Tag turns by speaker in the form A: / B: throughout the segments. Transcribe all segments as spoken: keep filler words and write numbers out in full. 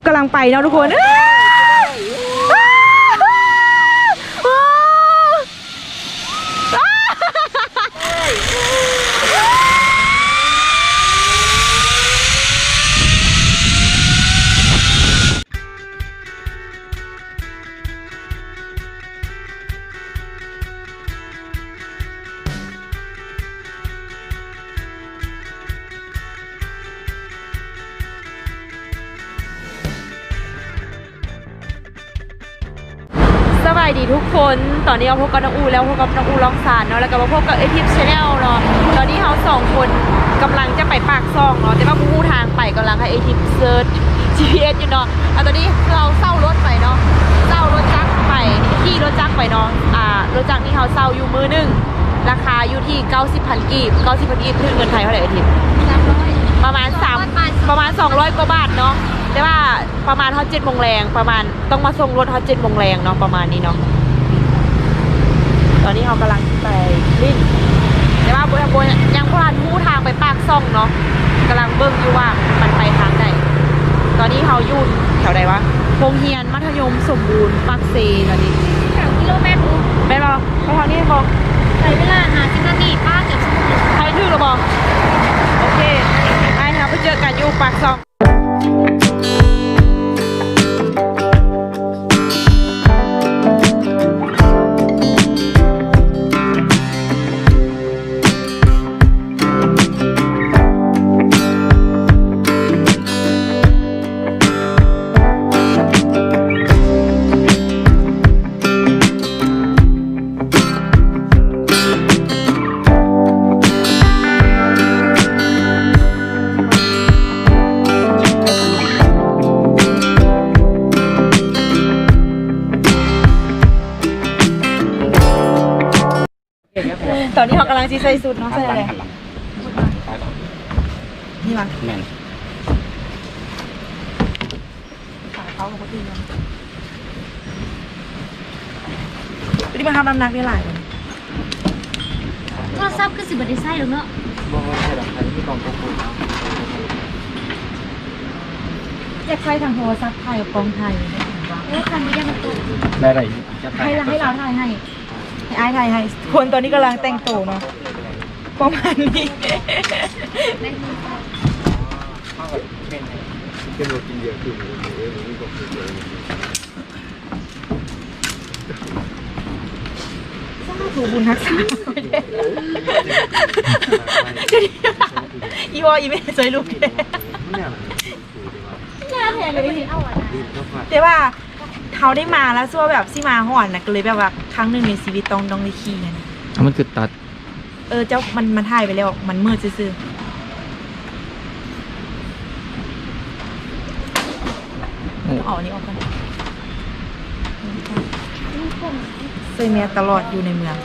A: กำลังไปเนาะทุกคนสวัสดีทุกคนตอนนี้เราพบกับน้องอูแล้วพบกับน้องอูร้องสารเนาะแล้วก็มาพบกับเอทิปชาแนลเนาะตอนนี้เราสองคนกำลังจะไปปากซองเนาะแต่ว่าผู้ทางไปกำลังให้เอทิปเซิร์ช จี พี เอส อยู่เนาะอ่ะตอนนี้เราเช่ารถไปเนาะเช่ารถจักรไปขี่รถจักรไปเนาะอ่ารถจักรนี่เราเช่าอยู่มือหนึ่งราคาอยู่ที่เก้าสิบพันกีบเก้าสิบพันกีบคือเงินไทยเท่าไหร่เอทิปประมาณสามประมาณสองร้อยกว่าบาทเนาะแต่ว่าประมาณฮอตเจ็ดโมงแรงประมาณต้องมาส่งรถฮอตเจ็ดโมงแรงเนาะประมาณนี้เนาะตอนนี้เรากำลังไปลิ้นแต่ว่าบุญบุญยังพลาดมู่ทางไปปากซ่องเนาะกำลังเบิ่งอยู่ว่ามันไปทางไหนตอนนี้เราอยู่แถวไหนวะโรงเรียนมัธยมสมบูรณ์ปากเซตอนนี้
B: แถวกิโลเมตรปุ๊บ
A: ไปรอไปทางนี้บอก
B: ใช้เวลาหาสิบนาทีป้าเกือบชั่วโมง
A: ใครถือหรือบอกโอเคไปเราไปเจอกันอยู่ปากซ่องตอนนี้เขากำลังจีใส่สุดเนาะใส่อะไรนี่มั้งแมนขาเขาของเขาตีเนาะวันนี้มาทำน้ำหนักได้หลายเลย
B: โทรศัพท์คือสิบบัตรไส้หรือเนาะ
A: อยากใช้ทางโทรศัพท์ไทยกับกองไทย
B: เออคันนี้ยังมันตุ่ม
C: ได้ไร
A: ให้เราให้เราถ่ายให้ไอ้ถ่ายให้คนตอนนี้กำลังแต่งตัวเนาะประมาณนี้ถูบุญทักษะอีวออีเมย์สวยลูกแกน่าแทนเลยแต่ว่าเขาได้มาแล้วซัวแบบซี่มาห่อนนะก็เลยแบบว่าครั้งหนึ่งในชีวิตต้องต้องได้ขี่กัน
C: มันคือตัด
A: เออเจ้ามันมันถ่ายไปแล้วมันมืดซื่อๆเอาอันนี้ออกกันใส่เมียตลอดอยู่ในเมือง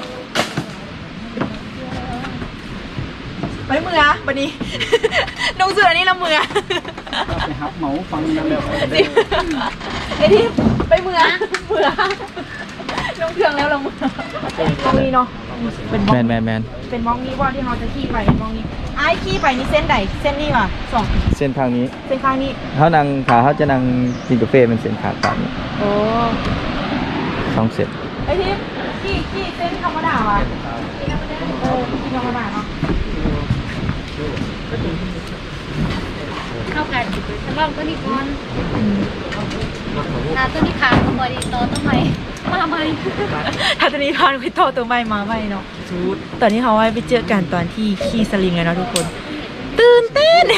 A: ไปเมืองวันนี้น้องเสือนี่ละเมือง
C: ไปฮับเหมาฟังแล้วแล้ว
A: ไอ้ที่ไปเมืองเมืองน้องเครื่องแล้วละเมืองตรงนี้เนาะ
C: เป็นแมนแมนแมน
A: เป็นมองนี้ว่าที่เราจะขี่ไปมองนี้ไอ้ขี่ไปนี่เส้นใดเส้นนี้ว่ะสอง
C: เส้นทางนี้
A: เส้นข้างนี้
C: เขานั่งขาเขาจะนั่งกินกาแฟเป็นเส้นขาฝั่งนี้
A: โอ้
C: สองเส้น
A: ไอ้ที่ขี่ขี่เส้นธรรมดาว่ะเออขี่ธรรมดาเนาะ
B: เข้ากันฉันลองตัวนี้ก่อนถ้าตัวนี้ขาดมาบริโตต้องไหมมาไหม
A: ถ้าตัวนี้พานไปโตตัวใหม่มาใหม่เนาะตอนนี้เขาไปเจอกันตอนที่ขี่สลิงเลยเนาะทุกคนตื่นเต้น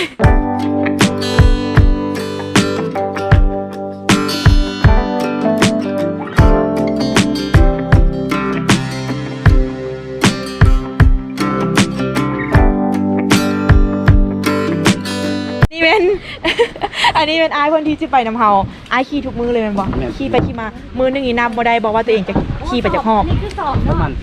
A: นี่เป็นอันนี้เป็นไอ้คนที่จะไปน้ำเฮาไอ้ขี่ทุกมือเลยมันบอกขี่ไปขี่มามือนึงอีนับบ่ได้บอกว่าตัวเองจะขี่ไปจากหอบ
B: นี่คือสอบเนาะมัน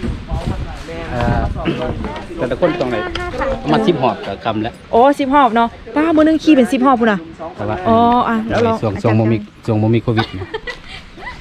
C: แต่ละคนตรงไหนมาสิบหอบกับคำแล้ว
A: โอ้สิบหอบเนาะป้ามือนึงขี่เป็นสิบหอบพูนะอ๋ออ่ะแล้วเรา
C: ส่งส่งโมมิส่งโมมิโควิด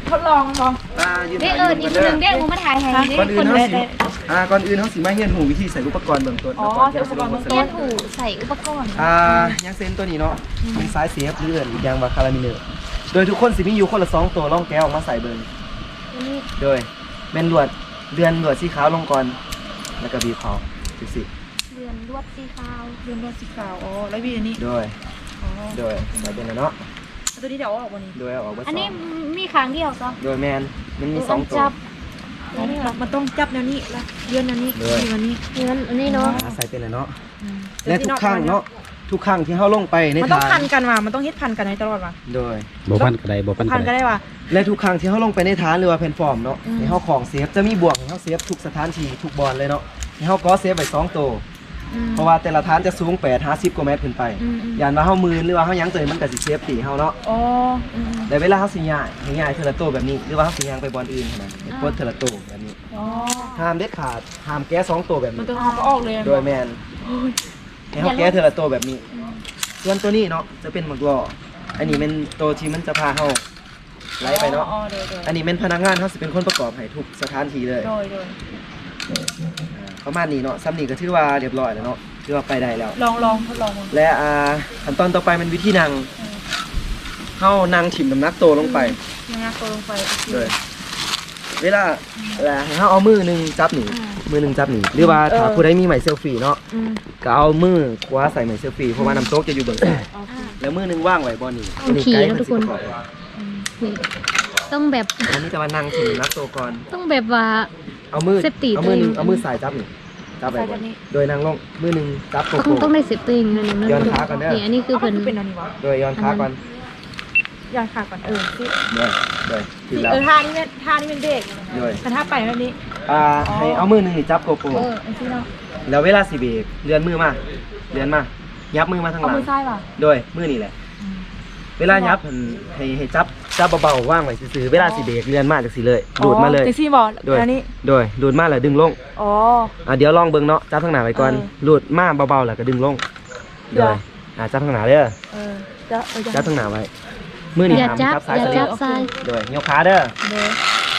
A: ทดลองลอง
D: อ่ายืน
B: เด้
D: ถ่าย
B: เออ
D: รู
B: อีก
D: ป
B: ค
D: กัน
B: น
D: เด้
B: นึ
D: อง
B: เด้กูมาถ่ายให้เด้
D: ก่อนอื่น
B: คน
D: เฮา
B: นึง
D: สิอ่าก่อนอื่นเฮาสิมาเรียนหูวิธีใส่อุปกรณ์เบื้องต้น
A: อ๋อ
D: ก่น
A: ใส่อุปกรณ์เบื้องต้
B: เรีย
A: น
B: นหูใส่อุปกรณ์
D: อ่ายังเซนตัวนี้เนาะมีสายเสียบหรือเอื่นอีกอย่างว่าคารามิเนอร์โดยทุกคนสิมีอยู่คนละสองตัวล่องแก้วออกมาใส่เบิ่ง
B: นี่
D: โดยแม่นลวดเดือนลวดสีขาวลงก่อนแล้วก็บีบเขาจังซี่
B: เรือนลวดสีขาว
A: เรื่องรถสีขาวอ๋อแล้ววีอันนี้
D: โดย
A: อ๋อ
D: โดยใส่เป็นแล้วเนาะ
A: ตัวนี้เดี๋ยวเอาออกวันนี้
D: โดยเอาออกมา
B: อัน
D: สอ
B: นี้
D: ง
B: มีครั้งเดียวซะ
D: โดยแมนมันมีสองตัว
B: จับ
A: อ๋อมันต้องจับแนวนี้แล้วเลื่อนแนวนี้
D: ด้วย
A: นี่วันนี้
B: เรือนอันนี้เนาะ
D: อ่าใส่เป็นแล้วเนาะ
A: อืม
D: และทุกครั้งเนาะทุกครั้งที่เฮาลงไปใน
A: มันต้อง
D: ทา
A: พั
D: ง
A: นกันว่ะมันต้องเฮ็ดพันกันให้ตลอดว่ะ
D: โดย
E: บ่พันก็ได้บ่พัน
A: พั
E: ก็
A: นก็
E: ได้
A: ได้ว่ะ
D: และทุกครั้งที่เฮาลงไปในฐานหรือว่าแพลตฟอร์มเนาะ
A: อืม
D: ให้เฮาของเซฟจะมีบวกให้เฮาเซฟทุกสถานที่ทุกบอลเลยเนาะให้เฮาก็เซฟไว้สองตัว
A: อืม
D: เพราะว่าแต่ละฐานจะสูงแปด ห้าสิบกว่าเมตรขึ้นไป
A: อืมอืม
D: ยานว่าเฮามือหรือว่าเฮาหยังเตยมันก็สิเซฟตีเฮาเนาะ
A: อ๋ออืม
D: แต่เวลาเฮาสิย้ายให้ย้ายเทอละตัวแบบนี้หรือว่าเฮาสิย้ายไปบอลอื่นนะให้กดเทอละตัวแบบนี้
A: อ๋อ
D: ห้ามเด็ดขาดห้ามแก้สองตัวแบบ
A: มัน
D: นี้
A: ต้องเอาก็ออกเลยอะ
D: โดยแมนให้เขาแก้เทอละตัวแบบนี้ ส่วนตัวนี้เนาะจะเป็นหมักล้ออันนี้เป็นตัวที่มันจะพาเขาไล่ไปเนาะ
A: อ๋อโดยโดย
D: อันนี้เป็นพนักงานเขาสิเป็นคนประกอบให้ทุกสถานที่เลย
A: โดยโดย
D: ประมาณนี้เนาะซ้ำนี่ก็ถือว่าเรียบร้อยแล้วเนาะถือว่าไปได้แล้ว
A: ลองลองทดลองดู
D: และอ่าขั้นตอนต่อไปมันวิธีนั่งเขานั่งถิ่มน้ำหนักตัวลงไป
A: ยังไงตัวลงไปโอเค
D: เลยเวลาแล้วให้เขาเอามือหนึ่งจับหนีมือหนึ่งจับหนีหรือว่าถ้าผู้ใดมีไหมเซลฟี่เนาะ
A: อืม
D: ก็เอามือคว้าใส่ไหมเซลฟี่เพราะว่าน้ำโต๊ะจะอยู่เบื้องซ้ายแล้วมือหนึงว่างไว้บอนี่
B: ต้องขี่นะทุกคน
D: อั
B: นี่ต้องแบบ
D: นนี้จะมานั่งถึงนักโตก่อน
B: ต้องแบบว่า
D: เอามือ
B: Safety
D: เอามือหนึง
B: ตัวเอง
D: เอามือสายจับนี่จับไว้ก่อนโดยนั่งลงมือหนึงจับโก
B: ต้อง
D: โก้
B: ต้องได้เซฟตัวเองนะนี่
D: ย้อนขาก่อนเด้อ
B: นี่อันนี้คือ
A: เอา
B: เพิ่น
A: คือเป็นอันนี้วะ
D: โดยย้อนขาก่อน
A: ย้อนขาก่อนเออที่
D: โดยโดยถึง
A: ที่
D: แล้ว
A: เออท่านี้เป็นท่านี้เป็นเบรก
D: โดย
A: แต่ถ้าไปแบบนี้
D: อ่าให้เอามือหนึงนี่จับโกโก้
A: เอออันที่เนาะ
D: แล้วเวลาสิเบรกเลื่อนมือมาเลื่อนมายับมือมาทางห
A: เอา
D: ลัง
A: มือซ้ายว่ะ
D: โดยมือนี่แหละ เวลายับมันให้ให้จับจับเบาๆว่างไว้ซื่อๆเวลาสิเบรกเลื่อนมาจากสิเลยดูดมาเลย
A: แท็กซี่บอล
D: โดย
A: อันนี้
D: โดยดูดมาแล้วดึงลง
A: อ๋อ
D: อ่ะเดี๋ยวลองเบิ่งเนาะจับทางหน้าไว้ก่อน
A: เออ
D: หลุดมาเบาๆแล้วก็ดึงลง
A: เดี๋
D: โด
A: ยว
D: ยอ่ะจับทางหน้าเด้อ
A: เออจะเออจะ
D: จับทางหน้าไว้มือนี่
B: อย่า
D: หาม
B: จับ
D: จับซ้าย
B: อย่า
D: สลิ
B: จั
D: ง
B: บซ้าย
D: โดยยกขาเด้อ
A: เดี๋ยว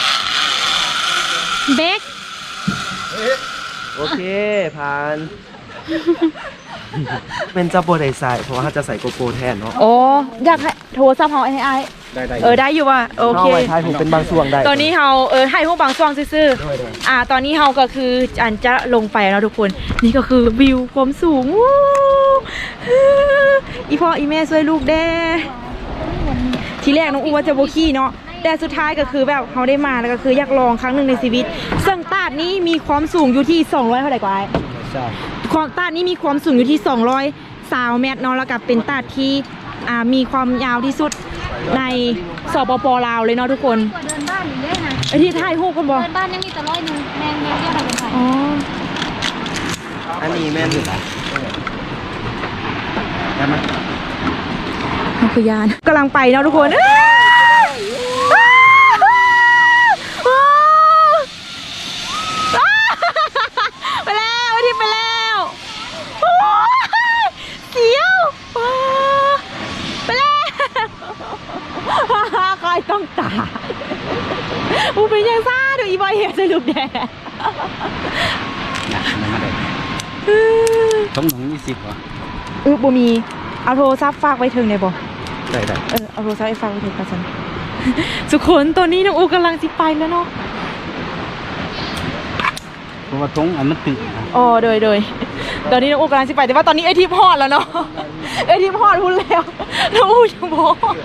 B: เบรก
D: โอเคผ่าน เป็นจับโบไดใส่เพราะว่าเขาจะใส่โกโก้แทนเนาะ
A: โอ้อยากให้โทรศัพท์เฮาให้ไอ้
D: ได้ได้
A: เออได้อยู่ว่ะโอเค
D: เข้าไว้ท้ายผมเป็นบางช่วงได้
A: ตอนนี้เฮาเออให้พวกบางช่วงซื่อ
D: ด้วยด้วย
A: ๆอ่า ตอนนี้เฮาก็คืออันจะลงไปแล้วทุกคน นี่ก็คือวิวความสูงวู้อีพ่ออีแม่ช่วยลูกแด้ทีแรกน้องอูว่าจะโบขี้เนาะแต่สุดท้ายก็คือแบบเขาได้มาแล้วก็คืออยากลองครั้งหนึ่งในชีวิตซึ่งตาดนี้มีความสูงอยู่ที่สองร้อยเท่าไหร่กว่าไอ้
D: ใช่
A: ความตาดนี้มีความสูงอยู่ที่สองร้อยสาวเมตรเนาะแล้วก็เป็นตาดที่อ่ามีความยาวที่สุดในสปปลาวเลยเนาะทุกคน
B: กว่าเดินบ้านอยู่เลยนะ
A: ไอที่ถ่ายรูปกันบอ
B: เดินบ้านยังมีแต่ร้อยหนึงแมงแมงเรียกอะไรเป็นไผ
A: อ๋อ
D: อันนี้แม่นอยู่ได้ไหม
A: นักพยานกำลังไปเนาะทุกคนเอ้ยไปแล้วที่ไปแล้วโอ้ยเสียวไปแล้วคอยต้องตาอูเป็นยังซ่าดูอีบอยเห็นสรุปแดด
E: นะมันมาได้ต้องหนุ่งยี่สิบวะ
A: อือบ่มีเอาโทรศัพท์ฝากไว้ถึงได้บ่
D: ได้ได้
A: เออเอาโทรศัพท์ไว้ฝากไว้ถึงกันซั่นทุกคนตอนนี้น้องอูกำลังสิไปแล้วเนาะ
E: เพราะว่าตรงอันมันตึงนะ
A: อ๋อโดยโดยตอนนี้น้องอูกำลังสิไปแต่ว่าตอนนี้ไอทีมฮอดแล้วเนาะไอทีมฮอดพุ่นแล้วน้องอูยังบ่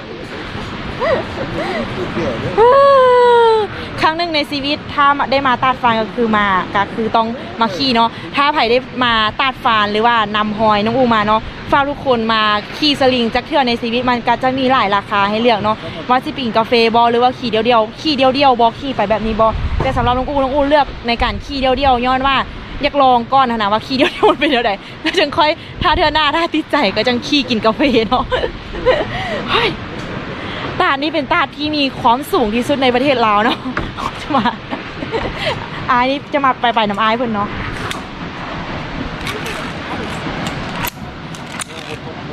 A: ครั้งหนึ่งในชีวิตถ้าได้มาตาดฟานก็คือมาก็คือต้องมาขี่เนาะถ้าไผ่ได้มาตาดฟานหรือว่านำหอยน้องอูมาเนาะฝากทุกคนมาขี่สลิงจักเทื่อในชีวิตมันก็จะมีหลายราคาให้เลือกเนาะว่าสิปิ่งกาแฟบอหรือว่าขี่เดียวเดียวๆขี่เดียวเดียวๆบอขี่ไปแบบนี้บอแต่สำหรับน้องอูน้องอูเลือกในการขี่เดียวเดียวๆย้อนว่าอยากลองก่อนนะว่าขี่เดียวเดียวมันเป็นเดียวใดแล้วจึงค่อยถ้าเทื่อหน้าถ้าติดใจก็จังขี่กินกาแฟเนาะ เฮ้ยตาดนี่เป็นตาดที่มีความสูงที่สุดในประเทศลาวเนาะ จะมาอายนี่จะมาไปไปน้ำอายเพิ่นเนาะ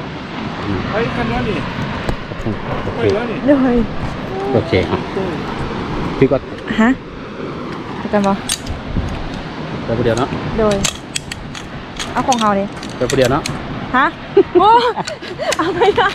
D: เฮ้ยคันนี้นี่
E: โอเค
A: เลย
E: โอเคอ่ะพี่ก็
A: ฮะไปกันบ่
E: ไปคนเดียวเนาะ
A: โดยเอาของเขาเลย
E: ไปคนเดียวเนาะ
A: ฮะโอ้เอาไปนะ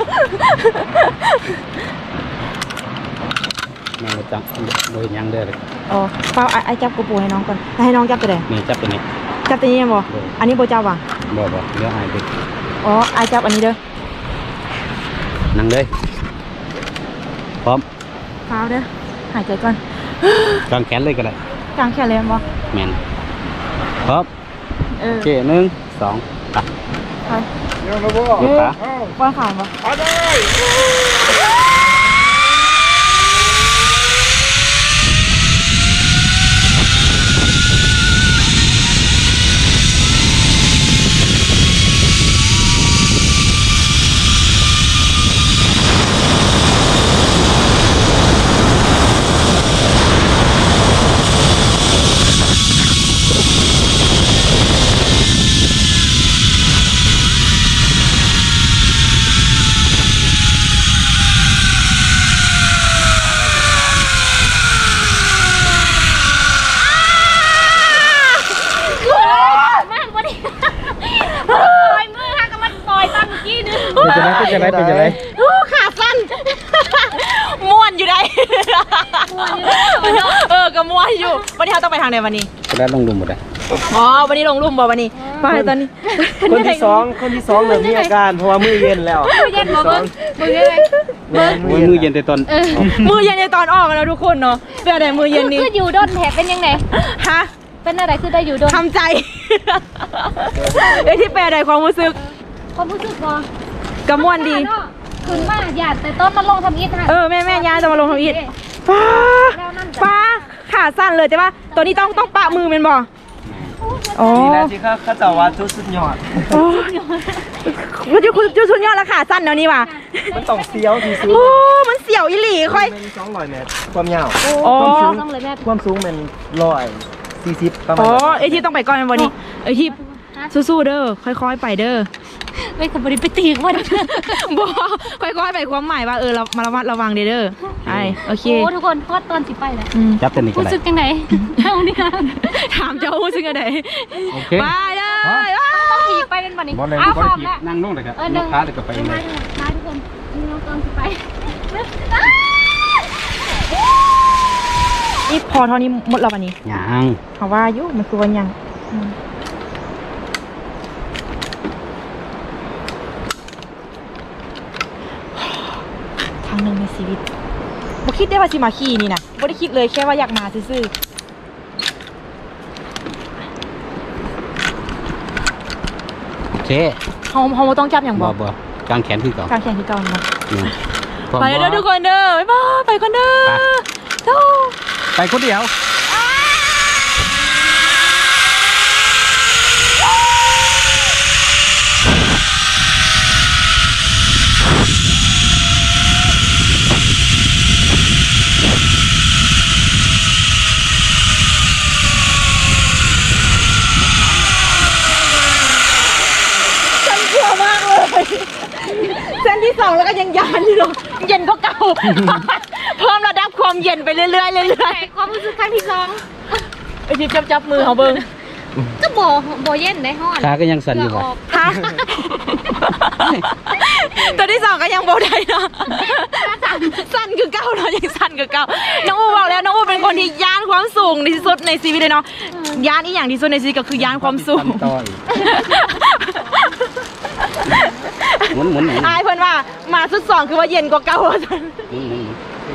E: แม่งจังโดยยังเด้อเลย
A: อ๋อเปล่าไอ้จับกระปูให้น้องก่อนให้น้องจับตัวไหน
E: นี่จับตัวนี้
A: จับตัวนี้ยังบ่อันนี้โบจับว่ะ
E: บ่บ่เดี๋ยวอายไป
A: อ๋อไอ้จับอันนี้เด้อ
E: นั่งเลยพร้อม
A: เปล่าเด้อหายใจก่อน
E: กางแขนเลยก็ได้
A: กลางแขนเลยบ่
E: แม่นพร้อม
A: เออ
E: โอเคหนึ่งสองไป
A: ไป
E: ยกขา
A: ว่างขามบ่
B: มากบ่ดิปล่อยมือค่ะก็มันปล่อยตอนเมื่อกี้นึง
C: เป็นจะไรเป็นจะไรเป็นจะไร
A: โอ้ขาสั้นม่วนอยู่ได้เออก็ม่วนอยู่วันนี้เราต้องไปทางไหนวันนี้
E: จะได้ลงดุมหมดเลย
A: อ๋อวันนี้ลงลุ่มบ่วันนี้ไปตอนนี้
D: คนที่สองคนที่สองเริ่มมีอาการเพราะว่ามือเย็นแล้ว
B: มือเย็นบ่เบิ่งมือเย็นเลย
D: แม่น
E: โอ้ยมือเย็นแต่ตอน
B: เออ
A: มือเย็นในตอนออกแล้วทุกคนเนาะเป็นอะไรมือเย็นนี้
B: คืออยู่ด้นแถเป็นยังไง
A: ฮะ
B: เป็นอะไรคือได้อยู่ด้น
A: ทำใจเอ้ยที่แปลใดความรู้สึก
B: ความรู้สึกบ่
A: กระม่วนดี
B: ขึ้นมาหยาดแต่ต้นมาลงทำอีทฮะ
A: เออแม่แม่ยายจะมาลงทำอิฐป้าป้าขาสั้นเลยใช่ปะตัวนี้ต้องต้องปะมือเป็นบ่อ๋อ
D: นี่แหละที่เขาเขาจะว่าจุดสุดยอด
A: ว่าจุจุชุนยอดแล้วขาสั้นเดี๋ยวนี้ว่ะ
D: มันต้องเสียวที่สุด
A: โอ้มันเสียวอีหลีค่อย
D: เป็นสองร้อยเมตรความยาว
A: อ๋อ
B: ต้องเลยแม่
D: ความสูงเป็นร้อยสี่สิบประมาณ
A: อ๋อ
D: นั้น
A: ไอที่ต้องไปก่อนวันนี้ไอที่สู้ๆเด้อค่อยๆไปเด้อ
B: ไม่ขบริไปตีกว่า
A: บ่ค่อยๆไปความหมายว่าเออเรามาระวัดระวังเด้อเด้อไอโอเค
B: โอ้ทุกคนพอดตอนสิไปแหละ
A: อืม
E: จับตัวนี้ก็
B: รู้
E: ได้
B: สึกยังไงเท่านี้ค่ะ
A: ถามเจ้าซึ่งอะไร
E: โอเค
A: ไปเลย
B: ต้องขี่ไปเป็นวันนี้
E: บอลเลย
B: เอา
E: บอล
B: ความ
E: ขี่
B: แล้ว
E: นั่งลงเลยครับ
B: เออย หนึ่
E: ก
B: ง
E: ขาเลยก็ไป
B: มา
E: เลย
B: มาทุกคนนี่เราตอนสิไป
A: นี่พอเท่านี้หมดแล้ววันนี้
E: ยัง
A: เขาว่าอยุมันคือวันยังอืมครั้งหนึ่งในชีวิตบ่คิดได้ว่าสิมาขี่นี่นะบ่ได้คิดเลยแค่ว่าอยากมาซื่อ
E: โอเค
A: ๆเฮาเฮาบ่ต้องจับอย่าง
E: บ่
A: บ่
E: บ่กางแขนขึ้นก่อน
A: การแข่งคือเก่าเนาะ
E: อืมพร้อม
A: ไปเด้อทุกคนเด้อบ๊ายบายไปคนเด้อโธ่
E: ไปคนเดียว
A: ฉันกลัวมากเลยเส้นที่สองแล้วก็ยังยานอยู่เนาะเย็นก็เก่า เพิ่มระดับความเย็นไปเรื่อยๆเรื่อย
B: แต่ความรู้สึกครั้งที่สอง
A: ๆไอทิพย์จับจับมือเขาเบิ้ง
B: ก็บ่บ่เย็นได้ฮ้อน
E: ขาก็ยังสั่นอยู่บ่
A: ฮะตัวที่สองก็ยังโบได้เนาะสั้นคือเก่าเนาะยังสั้นคือเก่าน้องอูบอกแล้วน้องอูเป็นคนที่ย่านความสูงที่สุดในชีวิตเลยเนาะย่านอีกอย่างที่สุดในชีวิตก็คือย่านความสูง
E: ต่อยหมุนหมุนหมุน
A: อายเพิ่นว่ามาสุดสองคือว่าเย็นกว่าเก่า
E: หมุนหมุนหมุน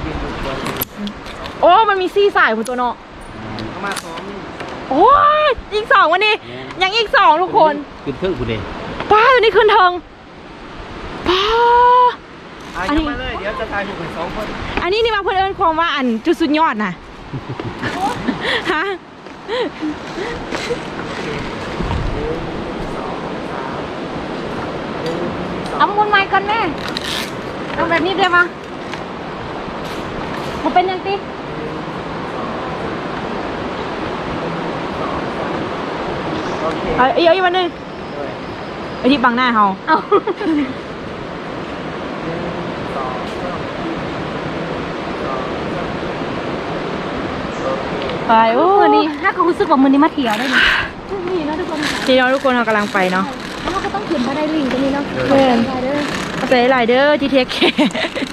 A: โอ้มันมีซี่สายคุณตัวเนาะ
D: ประมาณสอง
A: โอ้ยอีกสองวันนี้ยังอีกสองทุกคน
E: ขึ้นเครื่องกูเด้
A: ป้าตัวนี้ขึ้นเทิงป้า
D: อ่ะ
A: อันนี้
D: ยังมาเลยเดี๋ยวจะทายอยู่เป็นสองคน
A: อันนี้นี่มาเพื่อนเอิญความว่าอันจุดสุดยอดนะฮะ
B: เอามุนไม้ก่อนแม่เอาแบบนี้ได้ปะมันเป็นยังติ
D: โอเค
A: เอาอีกเอาอีกวันหนึงไอที่บังหน้าเฮา
B: เอา
A: ไปโอ้
B: มือนี้ถ้าเขารู้สึกว่ามือนี้มาเที่ยวได้ไหมนี่เนาะทุกคน
A: พี่น้องทุกคนเรากำลังไปเนาะ
B: แล้วเราก็ต้องขึ้นมาได้ลิงตรงนี้เนาะ
A: เพื่อน
B: ไปเด้อ
A: เอาใจหลายเด้อที่เทคแคร์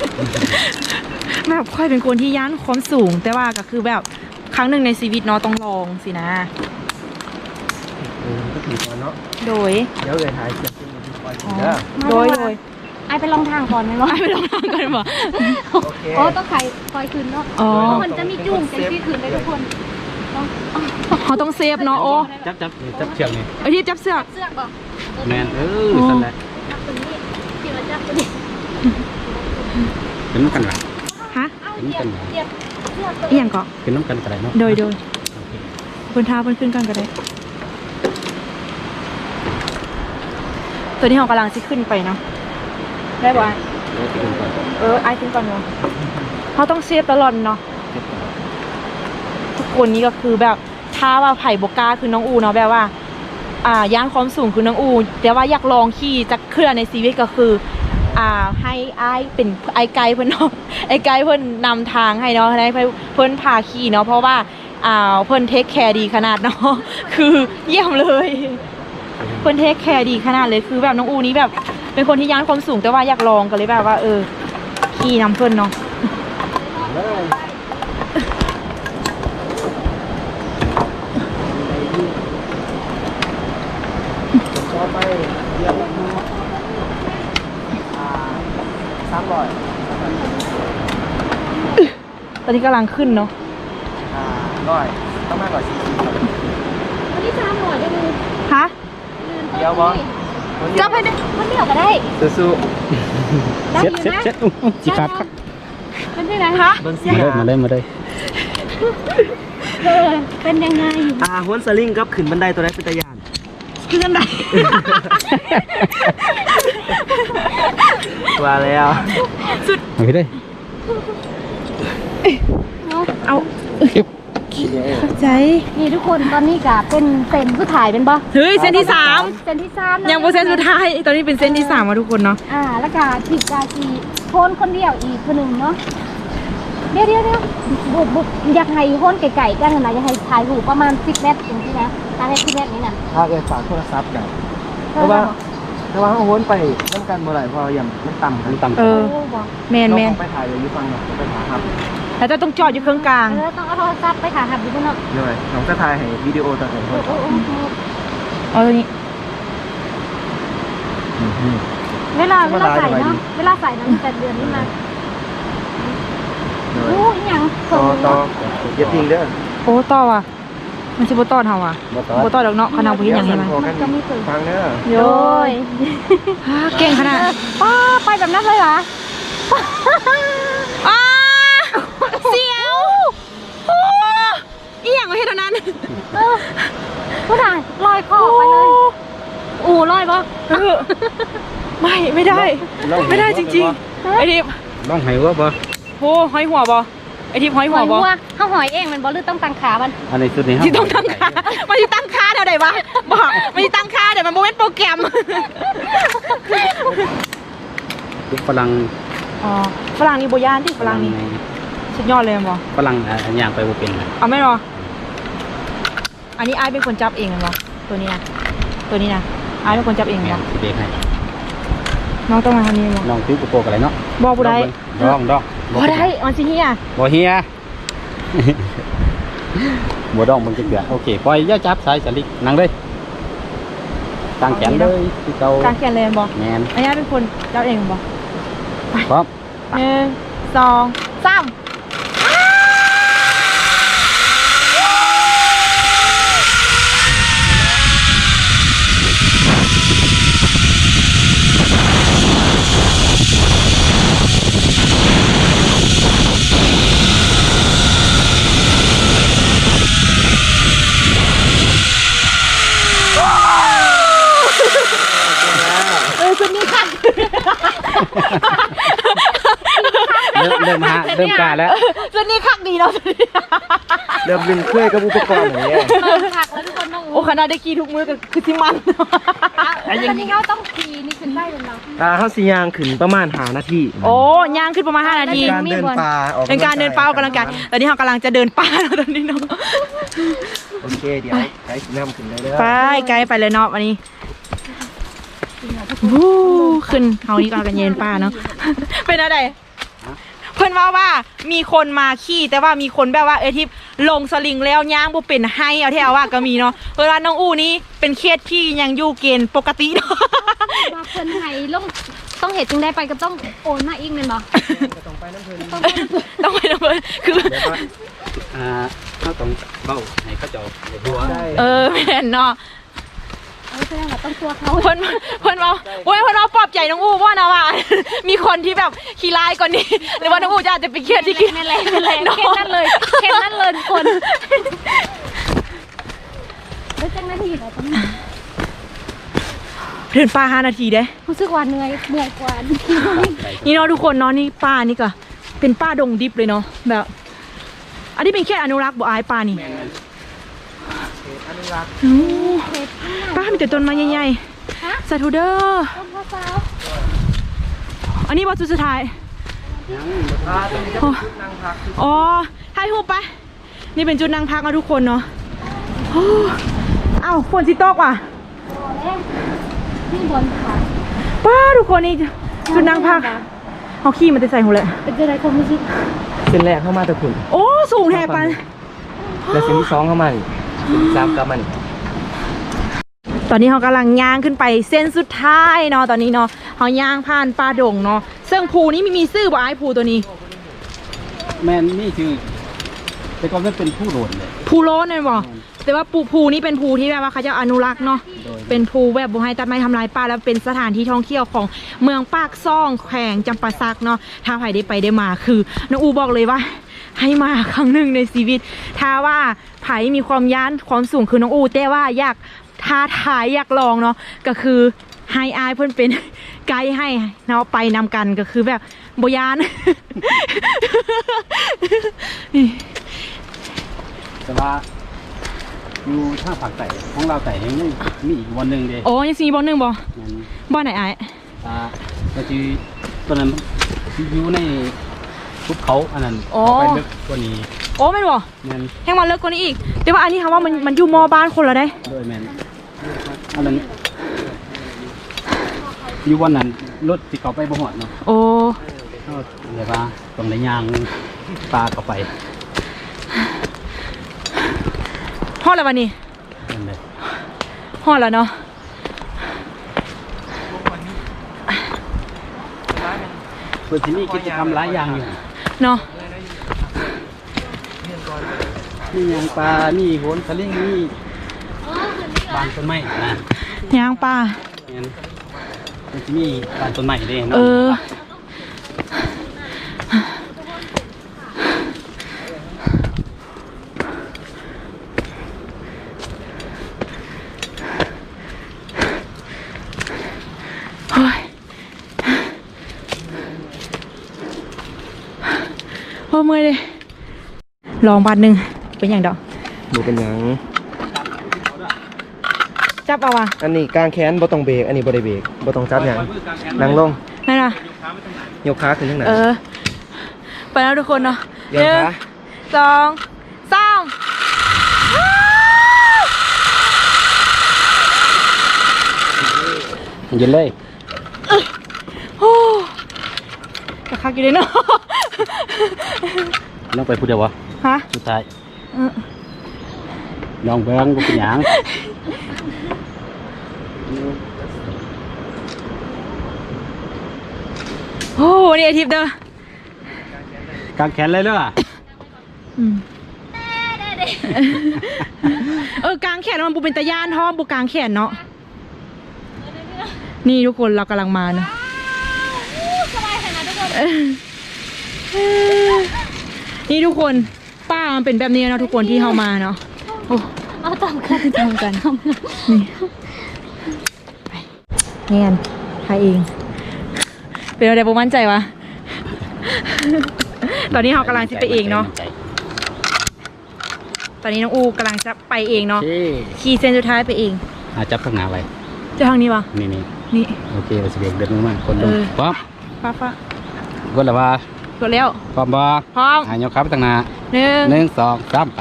A: แบบค่อยเป็นคนที่ย่านความสูง แต่ว่าก็คือแบบครั้งหนึ่งในชีวิตเนาะต้องลองสินะ
D: เออก็ถือก่อนเนาะ
A: โดย
D: เดี๋ยวเลยถ่ายเสร็จเป็นที่ปล่อย
A: อ๋อ
D: เด้อ
A: โดยโดย
B: ไอไปลองทางก่อนไหมวะ
A: ไปลองทำกันบ่
D: โอเค
B: โอ้ต้องใครคอยขึ้นเนาะ
A: อ๋อ
B: มันจะมีจุ่มเป็นที่ขึ้นได้ทุกคนต้อง
A: เขาต้องเซฟเนาะโอ้
E: จับจับจับเชือกนี่
A: ไอที่จับเสือก
B: เสื้อก่อน
E: แมนเออสั่นแหละ
B: จับตรงนี้ที่มันจับตรงนี้
E: เป็นน้ำกันหลัง
A: ฮะ
B: เอาเหยียบเหยียบเสื้อตัว
A: อีหยังเกาะ
E: เป็นน้ำกันกระไรเนาะ
A: โดยโดย
E: โอเค
A: บนเท้าบนขึ้นกันก็ได้ ตัวนี้เรากำลังจะขึ้นไปเนาะได้ป่ะ
E: เดี๋ยวขึ้นก่อน
A: เออไอขึ้นก่อนเนาะเขาต้องเซฟตลอดเนาะทุกคนนี้ก็คือแบบถ้าว่าไผ่บกล้าคือน้องอูเนาะแบบว่า อ่าย่านความสูงคือน้องอู แต่ว่าอยากลองขี่จักรเคลื่อนในชีวิตก็คือ อ่าให้ไอเป็นไอไกด์เพิ่นเนาะ ไอไกด์เพิ่นนำทางให้เนาะให้เพิ่นพาขี่เนาะเพราะว่าอ่าเพิ่นเทคแคร์ดีขนาดเนาะ คือเยี่ยมเลยเพิ่นเทคแคร์ดีขนาดเลยคือแบบน้องอูนี้แบบ เป็นคนที่ย่านความสูงแต่ว่าอยากลองก็เลยแบบว่า เออขี่นำเพิ่นเนาะ
D: ต่อไปเดี๋ยวเราดูอ่าสามร้อย
A: ตอนนี้กำลังขึ้นเนาะ
D: อ่าร้อยต้องมากกว่าสี่สิบครับ
B: วันนี้สามหน่อยได้ไหม
A: ฮะ
D: เดี๋ยวบอล
A: จับให้ได้
B: มันเดี่ยวก็ได้
D: สู้
B: ได้อ
E: เช็ด
B: ยู่
E: เช็ด
B: นะ
E: เช็ดอู้หูจีขาดครับ
B: เป็นที่ไหน
A: ฮะ
D: ๆเบิ้งสี
E: มา
D: ห
E: เลยมาเลยมาเลย
B: เออเป็นยังไง
D: อ่าห้วนสลิงกับขึ้นบันไดตัวแรกเป็นตะยาน
A: ขึ้นกันได้
D: ว่าแล้ว
E: เอาไปเลย
B: เนาะ
A: เอา
E: เก็บ
A: เข้าใจ
B: นี่ทุกคนตอนนี้ก็เป็นเส้นผู้ถ่ายเป็นปะ
A: เฮ้ยเส้นที่สาม
B: เส้นที่สามะ
A: ยังโปรเซนสุดท้ายตอนนี้เป็นเส้นที่สามมาทุกคนเนาะ
B: อ่าแล้วก็ผิดกาจีโคนคนเดียวอีกคนหนึ่งเนาะเดี๋ยวเดี๋ยวเดี๋ยวบุบบุบอยากให้โคนไก่ๆกันนะอยากให้ถ่ายรูปประมาณสิบเมตรอย่างที่นะถ่ายให้สิบเมตรนี้น่ะ
D: ถ้าเกิดฝากโทรศัพท์กันเพราะว่าเพราะว่าห้วนไปน้ำกันเมื่อไหร่พออย่างมันต่ำ
E: มันต่ำ
A: เออ
B: โอ้บอก
A: แมน
D: เรา
A: แมน
D: ไปถ่ายอยู่ฟังเนาะไปถ่ายครับ
A: แล้วจะต้องจอดอยู่เครื่องกลาง
B: เออต้องเอาโทรศัพท์ไปถ่ายหับอยู่บนเนาะ
D: เลยน้องก็ถ่ายให้วิดีโอต่างๆ
B: โอ้โห
A: เอาตัวนี้
B: เวลาเวลาใส่เนาะเวลาใส่น้ำแต่เดือนนี้มา
D: เลย
B: โอ้ยยัง
D: ต่อต่ออย่าทิ้งเด้อ
A: โอ้ต่อว่ะมันจะโบต่อเฮาอ่ะ
E: บ่ต่อ
A: โบต่อดอกเนาะขนาดบ่เห็นอย่างนี้มั้ย
B: มันก็มีสื่อ
D: ฟังเด้อ
A: โย
B: โอ้ย
A: ฮ่าเก่งขนาด
B: ป้าไปแบบนั้นเลยเหรอ
A: อ้าเสียวโอ้อีหยังวะเฮ็ดเท่านั้น
B: เออผู้ถ่ายลอยคอไปเลยอูลอยปะ
A: เออไม่ไม่ได้ ไม่ได้จริงๆไอทิพย์
E: ๆต้องให้ว่าบ่
A: โอ้ห้อยหัวบ่ไอทิพย์ห้อย
B: ห
A: หัว
B: อย
A: บ่
B: วัวข้าวหอยเองมันบอลหรือต้องตังขามัน
E: อันนี้สุดนี้
A: ที่ต้องตั้งค่ามันที่ตั้งค่าเดี๋ยวไหนวะบอกมันที่ตั้งค่าเดี๋ยวมันโมเมนต์โปรแกรม
E: ลูกฝรั่ง
A: อ๋อฝรั่งนี่โบยานที่ฝรั่งนี่สุดยอดเลยบ่
E: ฝรั่งอ่ะอันย่างไปบ่เป็นนะ
A: เอาไม่หรออันนี้ไอายเป็นคนจับเองเหรอตัวนี้นะตัวนี้นะไอายเป็นคนจับเอง
E: แม่
A: เหรอน
E: สิเบรกให้
A: น้องต้องมาทำนี้เหรอ
E: น้องถือกุโปกอะไรเนาะ
A: บอกบุได้
E: ดองดอง
A: บ่ได้มันสิเฮีย
E: บ่เฮีย บ่ดองมันจะเกลือโอเคปล่อยอย่าจับสายสลิกนั่งเลยตั้งแขนเลยที่เก่าก
A: างเขียนเลยบ่
E: แม่น
A: อันนี้เป็นคนจับเองบ่
E: พร้อม
A: หนึ่งสองสามเออคนนี้ค่ะ
E: เริ่มเริ่มฮะเริ่มกล้าแล้ว
A: ส่วนนี้คักดีเนาะ
D: เริ่มลืมเคยกับอุปกรณ์อย่างเงี้ย
B: ผักแล้วทุกคนต้อง
A: โอ้ขนาดได้ขี่ทุกมือก็คือที่มัน
B: ตอนนี้เขาต้องขี่นี่ขึ้นได้เลยเนาะ
D: อ่าเฮาสิย่างขึ้นประมาณห้านาที
A: โอ้ย่างขึ้นประมาณห้านาที
D: การเดินป่าออก
A: เป็นการเดินป่าออกกำลังกายตอนนี้เรากำลังจะเดินป่าแล้วตอนนี้เนาะ
D: โอเคเดี๋ยวไกด์สินำขึ้นได้เด้อ
A: ไปไกลไปเลยเนาะวันนี้วู้ขึ้นเขานี่กำลังกันเย็นป่าเนาะ เป็นอะไรเพื่อนว่าว่ามีคนมาขี่แต่ว่ามีคนแบบว่าเออที่ลงสลิงแล้วย่างบ่เป็นให้เอาที่เอาว่าก็มีเนาะเพื่อนว่าน้องอู้นี้เป็นเคสที่ยังอยู่เกณฑ์ปกติเนาะ
B: ว่าคนไทยลงต้องเห็นจึงได้ไปก็ต้องโอนมาอีกแม่นบ่
D: ต้องไปน้ำเพิ่น
B: ต้องไป
A: ต้องไปนะเพื่อนคือ
D: แบบว่า
E: อ่าเขาต้องเบ้าให้เขาเจ้าได้หัว
D: ได้
A: เออแม่นเนาะ
B: เออแสดงว่าต้องตัวเขา
A: เพื่อนเพื่อนว่าโอ้ยเพื่อนว่าปลอบใจน้องอู้ว่านะว่า มีคนที่แบบขี้ร้ายกว่านี้ หรือว่าน้องอู้จะอาจจะเป็นเคสที่ขี้
B: นั่นแหละนั่นแหละเคสนั่นเลยเคสนั่นเลยทุกคนแล้วจังนาทีไหนต้อง
A: เดินป่าห้านาทีเด้
B: รู้สึกว่าเหนื่อยเหนื่อยกว่า
A: นี่เนาะทุกคนเนาะนี่ป่านี่ก็เป็นป่าดงดิบเลยเนาะแบบ อันนี้เป็นแค่อนุรักษ์บ่อายป่านี่
D: อนุรักษ์
A: อู้
B: เคส
A: ป่ามีแต่ต้นไม้ใหญ่
B: ฮะ
A: ๆสาธุเด้อ
B: ต้นข้าวสาว
A: อันนี้บอสุดสุดท้าย
D: อ่าตรงนี้จะเป็นจุดนั่งพัก
A: อ๋อถ่ายรูปไป นี่เป็นจุดนั่งพักนะทุกคนเนาะโอ้เอ้าฝนสิตกว่ะ
B: พอแล้วนี่บนขา
A: ป้าทุกคนนี่จุดนั่งพักเอาขี้มันจะใส่หัวเลย
B: เป็นจะได้ความรู้สึก
D: เส้นแรกเข้ามาตะขุน
A: โอ้สูงแทบปัน
D: แล้วเส้นที่สองเข้ามานี่เส้นที่สามกลับมานี่
A: ตอนนี้เขากำลังย่างขึ้นไปเส้นสุดท้ายเนาะตอนนี้เนาะเขาย่างผ่านป่าดงเนาะซึ่งภูนี้มีมีซื่อบ่ไอ้ายภูตัวนี้
E: แม่นนี่คือแต่ก่อนมันเป็นผู้โดนเลย
A: ภูโลนนั่นบ่แต่ว่าปูภูนี้เป็นภูที่แบบว่าเขาจะอนุรักษ์เนาะ
E: โดย
A: เป็นภูแบบบ่ให้ตัดไม้ทำลายป่าแล้วเป็นสถานที่ท่องเที่ยวของเมืองปากซ่องแขวงจำปาสักเนาะถ้าใครได้ไปได้มาคือน้องอูบอกเลยว่า ให้มาครั้งหนึ่งในชีวิต ถ้าว่าไผมีความย้านความสูงคือน้องอูแต่ว่าอยากท้าทายอยากลองเนาะก็คือให้อายเพื่อนเป็น ไกด์ให้เนาะไปนำกันก็คือแบบโบยาน
E: แต่ว่าอยู่ท่าผักไต่ของเราไต่ยังมีอีกวันหนึ่งเด้
A: โอ้ยังซีบอลหนึ่งบอ
E: นั่น
A: บอลไหนไอ้
E: อ่าก็คือตัวนั้นอยู่ในภูเขาอันนั้น
A: อ๋อ
E: เอาไปลึกกว่านี้
A: โอ้ไม่นบอ
E: แม่น
A: แห้งมาเลิกกว่านี้อีก แต่ว่าอันนี้ค่ะว่ามันมันอยู่มอบ้านคนละได้
E: โดยแม่นอันนั้นอยู่วันนั้นรถที่เขาไปบ่หอดเนาะ
A: โอ้
E: เขาเรียกว่าตรงในยางปลาเข้าไป
A: ฮอดแล้ววันนี้
E: นั่นเลย
A: ฮอดแล้วเนาะ
E: เพื่อที่นี่กิจกรรมหลายอย่างอยู่
A: เนาะ
E: มียางปลามีโหนสลิงมีบานต้นไม้นะ
A: ยางป่า
E: งั้นมันจะมีบานต้นไม้เด้นาะ
A: เออ เฮ้ยโอ้เมื่อยเลย ลองบาทหนึ่งเป็นอย่างดอก
D: ดูเป็นหยัง
A: จับเอาว่ะ
D: อันนี้กางแขนบ่ต้องเบรกอันนี้บ่ได้เบรกบ่ต้องจับหยังนั่งลง
A: นั่นน่ะ
D: ยกขาขึ้นทางไหน
A: เออ ไปแล้วทุกคนเนาะ
D: เดี๋ยวนะ
A: สองสาม
E: เย็นเลย
A: โอ้กระคักอยู่เลยเนาะ
E: น้องไปพูดเดียววะ
A: ฮะ
E: สุดท้าย
A: เออ
E: น้องเบิ้งกูเป็นหยัง
A: โอ้นี่ไอทิพย์เด้อก
E: างแขนเลยเด้อ
A: อืมเออกลางแขนมันบุเป็นตะย่านท้อบุกลางแขนเนาะ นี่ทุกคนเรากำลังมาเนาะ
B: สบายขนาดทุกคน
A: เออนี่ทุกคนป้ามันเป็นแบบนี้เนาะทุกคนที่เข้ามาเนาะโอ้
B: เอาตามกัน
A: ทำกันนี่ไปเงียนทายเอง เป็นอะไรประมั่นใจวะ ตอนนี้เรากำลังจะไปเองเนาะ ตอนนี้น้องอูกำลังจะไปเองเนาะ
E: เท่
A: ขี่เส้นสุดท้ายไปเอง
E: อาจับข้างหน้าไว้
A: จะทางนี้ปะ
E: นี่นี่
A: นี่
E: โอเคเอาสิเบรกเดินลงมาคนลง
A: เออ
E: พร้อม
A: ฟ้าฟ้าก
E: ดแล้วว่าก
A: ดแล้ว
E: พร้อมบ่
A: พร้อม
E: หายกครับไปทางหน้า
A: หนึ่ง
E: หนึ่งสองสามไป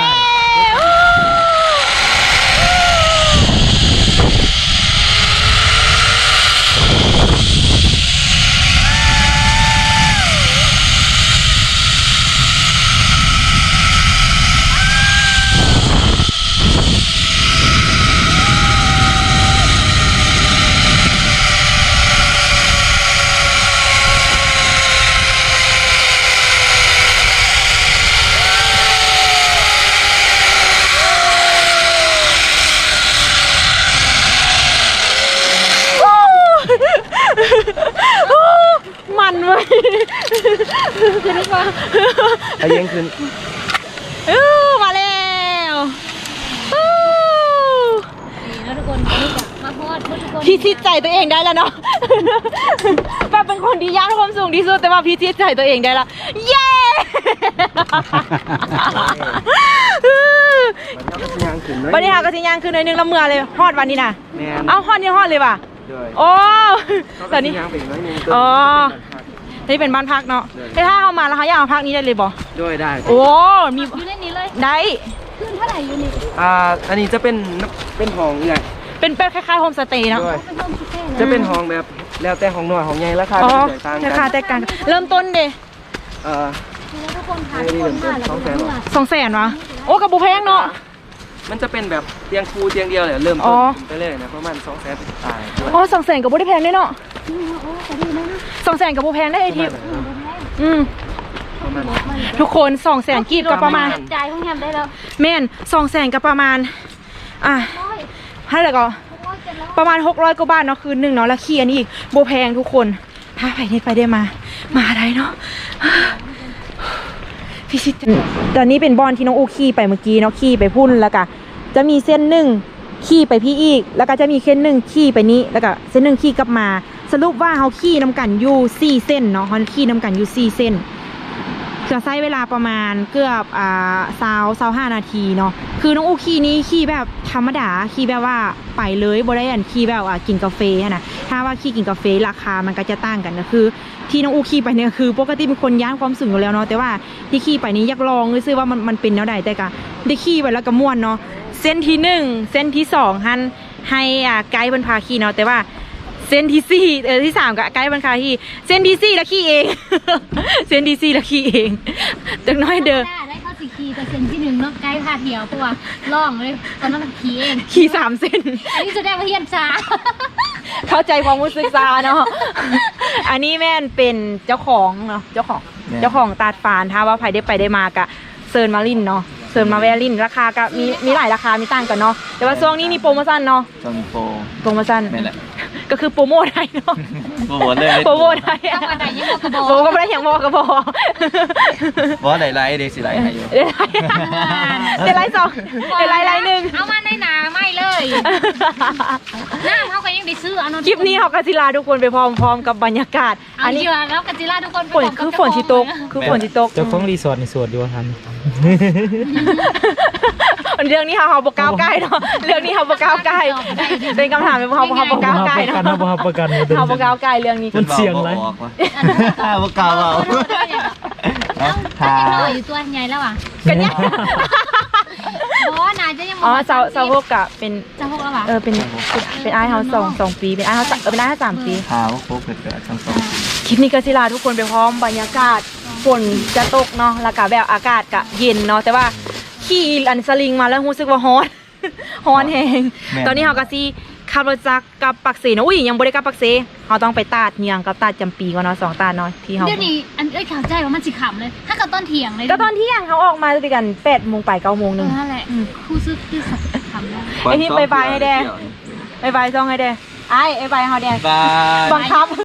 A: มันเว้ยจะได้ปะ
D: ไอ้ยังขึ้น
A: อู้มาแล้วอู้
B: นี่นะทุกคนวันนี้จะมาฮอดทุกคน
A: พี่ชิดใจตัวเองได้แล้วเนาะป้าเป็นคนที่ย่านความสูงที่สุดแต่ว่าพี่ชิดใจตัวเองได้ละเย้
D: มันก็ยางขึ้นน้อย
A: วันนี้ค่ะก็ทิ้งยางคือในอยนึงละเมื่อเลยฮอดวันนี้น่ะ
D: แม่น
A: เอ้าฮอดนี่ฮอดเลยว่ะ
D: ด้วย
A: โอ้
D: เขา
A: ต
D: ก็
A: อนนี้
D: ยางไปอีกน้อยหนึง
A: อ๋อ นี่เป็นบ้านพักเนาะแต่ถ้าเอามาแล้วเขาอยากเอาพักนี้ได้เลยบ่
D: ด้วยได้
A: โอ้ มี
B: อยู่ในนี้เลย
A: ได้
B: ขึ้นเท่าไหร่อยู่นี่
D: อ่าอันนี้จะเป็นเป็นห้องใหญ่
A: เป็นเป็นคล้ายๆโฮมสเตย์เนาะ
D: ด้วย
B: เป็นห้องพิเศษ
D: จะเป็นห้องแบบแล้วแต่ห้องน้อยห้องใหญ่ราคา
A: อ๋อ
D: จะแตกต่าง
A: รา
D: กั
A: คาแตกต่างกันเริ่มต้นเด้
D: เอ่อ
B: แล้วทุกคนพาทุกคนมาแล้วก็เมื่อ
A: สองแสนวะโอ้กับบุแพงเนาะ
D: มันจะเป็นแบบเตียงคูเตียงเดียวเลยเริ่ม
A: อ๋
D: ต้
A: อ
D: นไปเลยนะประมาณสองแสนตายด้วย
A: อ๋อสองแสนกับบุได้แพงด้วยเนาะ
B: โอ้แต่ดีนะ
A: สองแสนกับบุแพงได้ไอทิพย์อืม
D: ประมาณ
A: ทุกคนสองแสนกีบกับประมาณ
B: จ่ายห้องแฮมได้แล้ว
A: แม่นสองแสนกับประมาณ อ่ะ
B: ร้อย
A: ให้เลยก็
B: ร้อยเจ็ดร้อย
A: ประมาณหกร้อยกว่าบาทเนาะคืนหนึ่งเนาะแล้วขี้อันนี้อีกโบแพงทุกคนถ้าไปนี่ไปได้มา มาได้เนาะพี่ชิดตอนนี้เป็นบอลที่น้องอูขี่ไปเมื่อกี้เนาะขี่ไปพุ่นแล้วก็จะมีเส้นหนึ่งขี่ไปพี่อีก แล้วก็จะมีเส้นหนึ่งขี่ไปนี้แล้วก็เส้นหนึ่งขี่กลับมา สรุปว่าเขาขี่น้ำกันอยู่สี่เส้นเนาะเขาขี่น้ำกันอยู่สี่เส้นจะใช้เวลาประมาณเกือบอ่าสาวสาวห้านาทีเนาะคือน้องอูขี่นี้ขี่แบบธรรมดาขี่แบบว่าไปเลยบ่ได้อันขี่แบบว่ากินกาแฟอะนะถ้าว่าขี่กินกาแฟราคามันก็จะต่างกันนะคือ ที่น้องอูขี่ไปเนี่ยคือปกติเป็นคนย่านความสูงอยู่แล้วเนาะแต่ว่าที่ขี่ไปนี้อยากลองซื้อว่ามันมันเป็นแนวใดแต่ก็ได้ขี่ไปแล้วก็ม่วนเนาะเส้นที่หนึ่งเส้นที่สองฮันให้อ่าไกด์บรรพาขี่เนาะแต่ว่าเส้นที่สี่เออที่สามกับไกด์บรรพาขี่เส้นที่สี่แล้วขี่เอง เส้นที่สี่แล้วขี่เองจังน้อยเด้อ
B: ได้ข้อสี่คีย์แต่เซนที่หนึ่งเนาะใกล้พาเที่ยวเพราะว่าล่องเลยตอนนั้นขี่เอง
A: ขี่สามเส้น
B: อันนี้แสดงว่าเฮียนช้า
A: เข้าใจความรู้สึกซาเนาะ อันนี้แม่นเป็นเจ้าของเนาะเจ้าของเจ้าของตาดฟานถ้าว่าใครได้ไปได้มากะเซิร์นมาลินเนาะเซิร์นมาแวลินราคาก็มีมีหลายราคามีต่างกันเนาะแต่ว่าช่วงนี้มีโปรโมชั่นเนาะ
C: จอนโฟ
A: โปรโมชั่น
C: นี่แหละ
A: ก็คือโปรโมทให้เนาะ
C: โปรโมทเลย
A: โปรโมทให้
B: ทำอะไรยังบอกกระบอก
A: โปรก็ไม่ได้อย่างบอกกระบอก
C: เพราะไหนไลฟ์เด็กสิไลฟ์ให้อยู่
A: เดี๋ยวไลฟ์เดี๋ยวไลฟ์สองเดี๋ยวไลฟ์ไลฟ์หนึ่ง
B: เอามาในหนาไม่เลยหน้าเขาก็ยังได้ซื้อเอาน
A: คลิปนี้เขากาศิลาทุกคนไปพร้อมๆกับบรรยากาศ
B: อั
A: อั
B: น
A: น
B: นี้
A: นี้
B: แล้วกัจิล่าทุกคน
A: ฝนคือฝนที่ตกคือฝนที่ตก
F: เจ้าของรีสอร์ทในสวดอยู่ว่าทัน
A: เรื่องนี้เขาเขาบอกก้าวใกล้เนาะเรื่องนี้เขาบอกก้าวใกล้เป็นคำถามเป็นเขาเขาบอกก้าวใกล้
F: ประกัน
A: เนาะ
F: นะบ่ประกันบ่
A: เขาบอกก้าวใกล้เรื่องนี้
F: มันเสี่ยงไร
C: บ่กล้าเว้า
B: ถ้ายังน้อยอยู่ตัวใหญ่แล้วอ่ะ
A: กันเนี่ย
B: เพราะว่านายจะยัง
A: อ๋อเซาเซาพวกกะเป็น
B: จะพกแล้วอ่ะ
A: เออเป็นเป็นไอายเขาสองสองปีเป็นไอายเขาเออเป็นไอายเขาสามปี
C: ขาวโคกเกิดๆทั้งสอง
A: คลิปนี้กาศิลาทุกคนไปพร้อมบรรยากาศฝนจะตกเนาะแล้วก็แบบอากาศกะเย็นเนาะแต่ว่าขี่อันสลิงมาแล้วรู้สึกว่าฮ้อน ฮ้อนแหงตอนนี้เขากะซีขับรถจักรกับปักเสเนาะอุ้ยยังบ่ได้กับปักเสเขาต้องไปตาดเนียงกับตาดจำปีก่อนเนาะสองตาดเนาะที่เขา
B: เดี๋ยวนี้อันเอ้ยข่าวใจว่ามันสิขำเลย ถ้ากับต้นเถียงเลย
A: ก็ตอนเที่ยงเขาออกมาด้วยกันแปดโมงไปเก้าโมงห
B: เอ
A: นึ่ง
B: อนั่นแหละคู่ซื้อคือสัตว์ขำแล้ว
A: ไอ้ที่ไปไปให้แดง บายบายซ่องให้แดงไอ้ไอ้ใบเขาแดง
C: บาย
A: บังคับ